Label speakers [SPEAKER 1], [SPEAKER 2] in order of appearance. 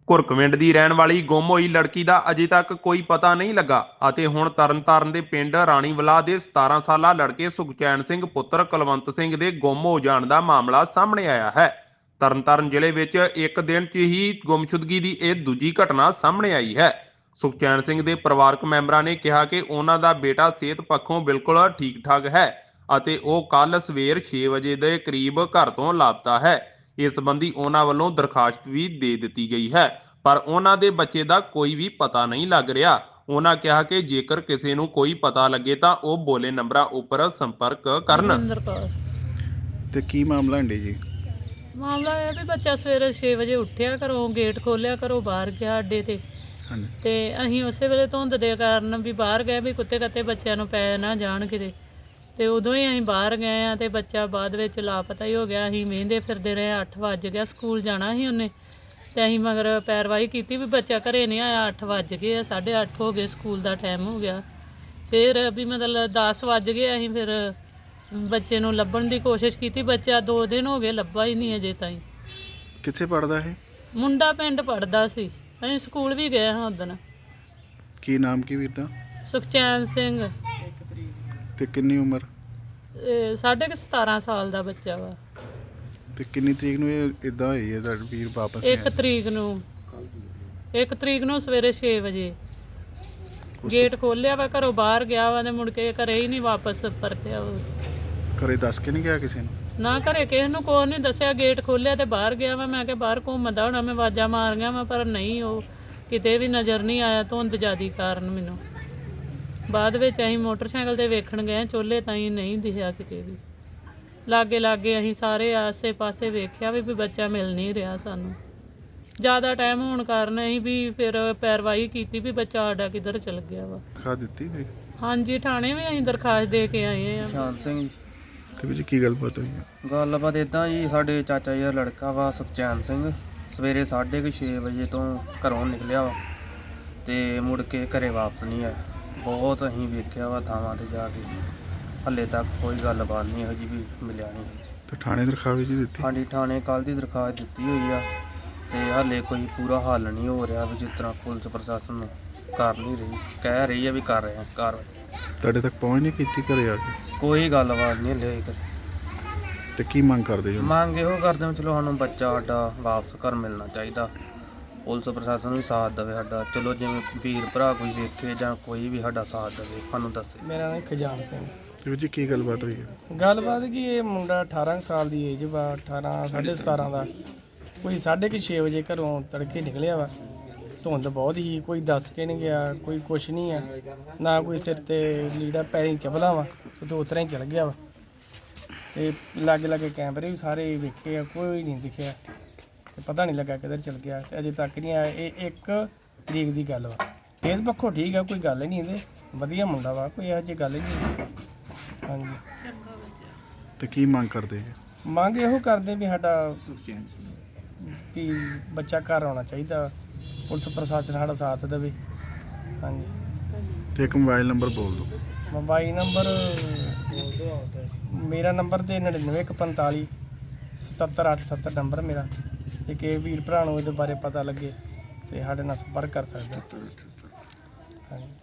[SPEAKER 1] ਘੁਰਕਵਿੰਡ ਦੀ ਰਹਿਣ ਵਾਲੀ ਗੁੰਮ ਹੋਈ ਲੜਕੀ ਦਾ ਅਜੇ ਤੱਕ ਕੋਈ ਪਤਾ ਨਹੀਂ ਲੱਗਾ ਅਤੇ ਹੁਣ ਤਰਨਤਾਰਨ ਦੇ ਪਿੰਡ ਰਾਣੀਵਾਲਾ ਦੇ 17 ਸਾਲਾ ਲੜਕੇ ਸੁਖਚੈਨ ਸਿੰਘ ਪੁੱਤਰ ਕੁਲਵੰਤ ਸਿੰਘ ਦੇ ਗੁੰਮ ਹੋ ਜਾਣ ਦਾ ਮਾਮਲਾ ਸਾਹਮਣੇ ਆਇਆ ਹੈ। ਤਰਨਤਾਰਨ ਜ਼ਿਲ੍ਹੇ ਵਿੱਚ ਇੱਕ ਦਿਨ 'ਚ ਹੀ ਗੁੰਮਸ਼ੁਦਗੀ ਦੀ ਇਹ ਦੂਜੀ ਘਟਨਾ ਸਾਹਮਣੇ ਆਈ ਹੈ। ਸੁਖਚੈਨ ਸਿੰਘ ਦੇ ਪਰਿਵਾਰਕ ਮੈਂਬਰਾਂ ਨੇ ਕਿਹਾ ਕਿ ਉਹਨਾਂ ਦਾ ਬੇਟਾ ਸਿਹਤ ਪੱਖੋਂ ਬਿਲਕੁਲ ਠੀਕ ਠਾਕ ਹੈ ਅਤੇ ਉਹ ਕੱਲ ਸਵੇਰ 6 ਵਜੇ ਦੇ ਕਰੀਬ ਘਰ ਤੋਂ ਲਾਪਤਾ ਹੈ। ਇਸ ਸੰਬੰਧੀ ਉਹਨਾਂ ਵੱਲੋਂ ਦਰਖਾਸਤ ਵੀ ਦੇ ਦਿੱਤੀ ਗਈ ਹੈ, ਪਰ ਉਹਨਾਂ ਦੇ ਬੱਚੇ ਦਾ ਕੋਈ ਵੀ ਪਤਾ ਨਹੀਂ ਲੱਗ ਰਿਹਾ। ਉਹਨਾਂ ਕਿਹਾ ਕਿ ਜੇਕਰ ਕਿਸੇ ਨੂੰ ਕੋਈ ਪਤਾ ਲੱਗੇ ਤਾਂ ਉਹ ਬੋਲੇ ਨੰਬਰਾਂ ਉੱਪਰ ਸੰਪਰਕ ਕਰਨ।
[SPEAKER 2] ਤੇ ਕੀ ਮਾਮਲਾ ਹੈ ਜੀ?
[SPEAKER 3] ਮਾਮਲਾ ਇਹ ਵੀ ਬੱਚਾ ਸਵੇਰੇ 6 ਵਜੇ ਉੱਠਿਆ, ਘਰੋਂ ਗੇਟ ਖੋਲਿਆ, ਘਰੋਂ ਬਾਹਰ ਗਿਆ ਅੱਡੇ ਤੇ ਅਸੀਂ ਉਸੇ ਵੇਲੇ ਧੁੰਦ ਦੇ ਕਾਰਨ ਵੀ ਬਾਹਰ ਗਏ ਵੀ ਕੁੱਤੇ ਕੱਤੇ ਬੱਚਿਆਂ ਨੂੰ ਪੈ ਨਾ ਜਾਣ ਕਿਤੇ, ਤੇ ਉਦੋਂ ਹੀ ਅਸੀਂ ਬਾਹਰ ਗਏ ਆ ਤੇ ਬੱਚਾ ਬਾਅਦ ਵਿੱਚ ਲਾਪਤਾ ਹੀ ਹੋ ਗਿਆ। ਅਸੀਂ ਮਹਿੰਦੇ ਫਿਰਦੇ ਰਹੇ, 8 ਵੱਜ ਗਿਆ, ਸਕੂਲ ਜਾਣਾ ਸੀ ਉਹਨੇ ਤੇ ਅਸੀਂ ਮਗਰ ਪੈਰਵਾਈ ਕੀਤੀ ਵੀ ਬੱਚਾ ਘਰੇ ਨਹੀਂ ਆਇਆ। 8 ਵੱਜ ਗਏ, 8:30 ਹੋ ਗਏ, ਸਕੂਲ ਦਾ ਟਾਈਮ ਹੋ ਗਿਆ। ਫਿਰ ਵੀ ਮਤਲਬ 10 ਵੱਜ ਗਏ, ਅਸੀਂ ਫਿਰ ਬੱਚੇ ਨੂੰ ਲੱਭਣ ਦੀ ਕੋਸ਼ਿਸ਼ ਕੀਤੀ। ਬੱਚਾ 2 ਦਿਨ ਹੋ ਗਏ ਲੱਭਾ ਹੀ ਨਹੀਂ ਅਜੇ ਤਾਈਂ।
[SPEAKER 2] ਕਿੱਥੇ ਪੜਦਾ ਇਹ
[SPEAKER 3] ਮੁੰਡਾ? ਪਿੰਡ ਪੜਦਾ ਸੀ, ਅਸੀਂ ਸਕੂਲ ਵੀ ਗਏ ਹਾਂ ਉਦਣ।
[SPEAKER 2] ਕੀ ਨਾਮ ਕੀ ਵੀਰ ਦਾ?
[SPEAKER 3] ਸੁਖਚੈਨ ਸਿੰਘ।
[SPEAKER 2] ਤੇ ਕਿੰਨੀ ਉਮਰ?
[SPEAKER 3] 17.5 ਸਾਲ ਦਾ ਬੱਚਾ ਵਾ।
[SPEAKER 2] ਤੇ ਕਿੰਨੀ ਤਰੀਕ ਨੂੰ ਇਹ ਇਦਾਂ ਹੋਈ ਹੈ ਤੁਹਾਡਾ ਵੀਰ ਵਾਪਸ?
[SPEAKER 3] 1 ਤਰੀਕ ਨੂੰ ਸਵੇਰੇ 6 ਵਜੇ ਗੇਟ ਖੋਲਿਆ ਵਾ, ਘਰੋਂ ਬਾਹਰ ਗਿਆ ਵਾ ਤੇ ਮੁੜ ਕੇ ਘਰੇ ਹੀ ਨਹੀਂ ਵਾਪਸ ਪਰਤਿਆ।
[SPEAKER 2] ਘਰੇ ਦੱਸ ਕੇ ਨਹੀਂ ਗਿਆ ਕਿਸੇ ਨੂੰ?
[SPEAKER 3] ਨਾ ਘਰੇ ਕਿਸੇ ਨੂੰ ਕੋਈ ਨਹੀਂ ਦੱਸਿਆ। ਗੇਟ ਖੋਲਿਆ ਤੇ ਬਾਹਰ ਗਿਆ ਵਾ। ਮੈਂ ਕਿਹਾ ਬਾਹਰ ਘੁੰਮਦਾ ਹੋਣਾ, ਮੈਂ ਆਵਾਜ਼ਾਂ ਮਾਰੀਆਂ ਵਾ ਪਰ ਨਹੀਂ, ਉਹ ਕਿਤੇ ਵੀ ਨਜ਼ਰ ਨਹੀਂ ਆਇਆ ਧੁੰਦ ਜ਼ਿਆਦੀ ਕਾਰਨ। ਮੈਨੂੰ ਬਾਅਦ ਵਿੱਚ ਅਸੀਂ ਮੋਟਰਸਾਈਕਲ ਤੇ ਵੇਖਣ ਗਏ, ਚੋਲੇ ਤਾਈਂ ਨਹੀਂ ਦਿਖਿਆ ਕਿਤੇ ਵੀ। ਲਾਗੇ ਅਸੀਂ ਸਾਰੇ ਆਸੇ ਪਾਸੇ ਵੇਖਿਆ ਵੀ ਬੱਚਾ ਮਿਲ ਨਹੀਂ ਰਿਹਾ ਸਾਨੂੰ। ਜ਼ਿਆਦਾ ਟਾਈਮ ਹੋਣ ਕਾਰਨ ਅਸੀਂ ਵੀ ਫਿਰ ਪੈਰਵਾਈ ਕੀਤੀ ਵੀ ਬੱਚਾ ਸਾਡਾ ਕਿੱਧਰ ਚਲ ਗਿਆ ਵਾ।
[SPEAKER 2] ਖਾ ਦਿੱਤੀ ਵੀ?
[SPEAKER 3] ਹਾਂਜੀ, ਥਾਣੇ ਵੀ ਅਸੀਂ ਦਰਖਾਸਤ ਦੇ ਕੇ ਆਏ ਆ।
[SPEAKER 4] ਸ਼ਾਨ ਸਿੰਘ।
[SPEAKER 2] ਤੇ ਵੀ ਕੀ ਗੱਲਬਾਤ ਹੋਈ ਹੈ?
[SPEAKER 4] ਗੱਲਬਾਤ ਇੱਦਾਂ ਜੀ, ਸਾਡੇ ਚਾਚਾ ਜੀ ਦਾ ਲੜਕਾ ਵਾ ਸੁਖਚੈਨ ਸਿੰਘ, ਸਵੇਰੇ 6:30 ਵਜੇ ਤੋਂ ਘਰੋਂ ਨਿਕਲਿਆ ਵਾ ਤੇ ਮੁੜ ਕੇ ਘਰੇ ਵਾਪਸ ਨਹੀਂ ਆਇਆ। ਬਹੁਤ ਅਸੀਂ ਵੇਖਿਆ ਵਾ ਥਾਵਾਂ ਤੇ ਜਾ ਕੇ, ਹੱਲੇ ਤੱਕ ਕੋਈ ਗੱਲਬਾਤ ਨਹੀਂ ਇਹੋ ਜਿਹੀ ਵੀ ਮਿਲਿਆ ਨਹੀਂ।
[SPEAKER 2] ਤੇ ਥਾਣੇ ਦਰਖਾਸਤ ਜੀ ਦਿੱਤੀ?
[SPEAKER 4] ਹਾਂਜੀ, ਥਾਣੇ ਕੱਲ੍ਹ ਦੀ ਦਰਖਾਸਤ ਦਿੱਤੀ ਹੋਈ ਆ ਤੇ ਹਾਲੇ ਕੋਈ ਪੂਰਾ ਹੱਲ ਨਹੀਂ ਹੋ ਰਿਹਾ ਵੀ ਜਿਸ ਤਰ੍ਹਾਂ ਪੁਲਿਸ ਪ੍ਰਸ਼ਾਸਨ ਨੂੰ ਕਰ ਨਹੀਂ ਰਹੀ, ਕਹਿ ਰਹੀ ਆ ਵੀ ਕਰ ਰਹੇ ਆ ਕਾਰਵਾਈ।
[SPEAKER 2] ਤੁਹਾਡੇ ਤੱਕ ਪਹੁੰਚ ਨਹੀਂ ਕੀਤੀ ਘਰੇ ਆ ਕੇ?
[SPEAKER 4] ਕੋਈ ਗੱਲਬਾਤ ਨਹੀਂ ਹਲੇ ਤੱਕ।
[SPEAKER 2] ਤੇ ਕੀ ਮੰਗ ਕਰਦੇ ਜੀ?
[SPEAKER 4] ਮੰਗ ਇਹੋ ਕਰਦੇ ਹਾਂ, ਚਲੋ ਸਾਨੂੰ ਬੱਚਾ ਸਾਡਾ ਵਾਪਸ ਘਰ ਮਿਲਣਾ ਚਾਹੀਦਾ। ਪੁਲਿਸ ਪ੍ਰਸ਼ਾਸਨ ਵੀ ਸਾਥ ਦੇਵੇ ਸਾਡਾ, ਚਲੋ ਜਿਵੇਂ ਵੀਰ ਭਰਾ ਕੋਈ ਵੇਖੇ ਜਾਂ ਕੋਈ ਵੀ ਸਾਡਾ ਸਾਥ ਦੇਵੇ, ਸਾਨੂੰ ਦੱਸੇ।
[SPEAKER 5] ਮੇਰਾ ਨਾਮ ਖਜਾਨ ਸਿੰਘ।
[SPEAKER 2] ਜੀ ਕੀ ਗੱਲਬਾਤ ਹੋਈ ਹੈ?
[SPEAKER 5] ਗੱਲਬਾਤ ਕਿ ਇਹ ਮੁੰਡਾ 18 ਸਾਲ ਦੀ ਏਜ ਵਾ, 18 17.5 ਦਾ, ਕੋਈ 6:30 ਵਜੇ ਘਰੋਂ ਤੜਕੇ ਨਿਕਲਿਆ ਵਾ। ਧੁੰਦ ਬਹੁਤ ਹੀ, ਕੋਈ ਦੱਸ ਕੇ ਨਹੀਂ ਗਿਆ, ਕੋਈ ਕੁਛ ਨਹੀਂ ਆ, ਨਾ ਕੋਈ ਸਿਰ ਤੇ ਲੀੜਾ ਪੈਰੀ ਚਪਲਾ ਵਾ, ਉਹ ਉਤਰਾਂ ਹੀ ਚਲ ਗਿਆ ਵਾ। ਤੇ ਲਾਗੇ ਕੈਮਰੇ ਵੀ ਸਾਰੇ ਵੇਖੇ ਆ, ਕੋਈ ਨਹੀਂ ਦਿਖਿਆ ਤੇ ਪਤਾ ਨਹੀਂ ਲੱਗਾ ਕਿੱਧਰ ਚਲ ਗਿਆ ਤੇ ਅਜੇ ਤੱਕ ਨਹੀਂ ਆਇਆ। ਇਹ 1 ਤਰੀਕ ਦੀ ਗੱਲ ਵਾ। ਇਸ ਪੱਖੋਂ ਠੀਕ ਆ, ਕੋਈ ਗੱਲ ਨਹੀਂ, ਇਹਦੇ ਵਧੀਆ ਮੁੰਡਾ ਵਾ, ਕੋਈ ਇਹੋ ਜਿਹੀ ਗੱਲ ਨਹੀਂ। ਹਾਂਜੀ।
[SPEAKER 2] ਤੇ ਕੀ ਮੰਗ ਕਰਦੇ ਜੀ?
[SPEAKER 5] ਮੰਗ ਇਹੋ ਕਰਦੇ ਵੀ ਸਾਡਾ ਵੀ ਬੱਚਾ ਘਰ ਆਉਣਾ ਚਾਹੀਦਾ, ਪੁਲਿਸ ਪ੍ਰਸ਼ਾਸਨ ਸਾਡਾ ਸਾਥ ਦੇਵੇ। ਹਾਂਜੀ।
[SPEAKER 2] ਤੇ ਇੱਕ ਮੋਬਾਈਲ ਨੰਬਰ ਬੋਲ ਦਿਓ।
[SPEAKER 5] ਮੋਬਾਈਲ ਨੰਬਰ ਮੇਰਾ ਨੰਬਰ ਤੇ 9915 77878 ਨੰਬਰ ਮੇਰਾ। ਜੇ ਕਿਸੇ ਵੀਰ ਭਰਾ ਨੂੰ ਇਹਦੇ ਬਾਰੇ ਪਤਾ ਲੱਗੇ ਤੇ ਸਾਡੇ ਨਾਲ ਸੰਪਰਕ ਕਰ ਸਕਦਾ। ਹਾਂਜੀ।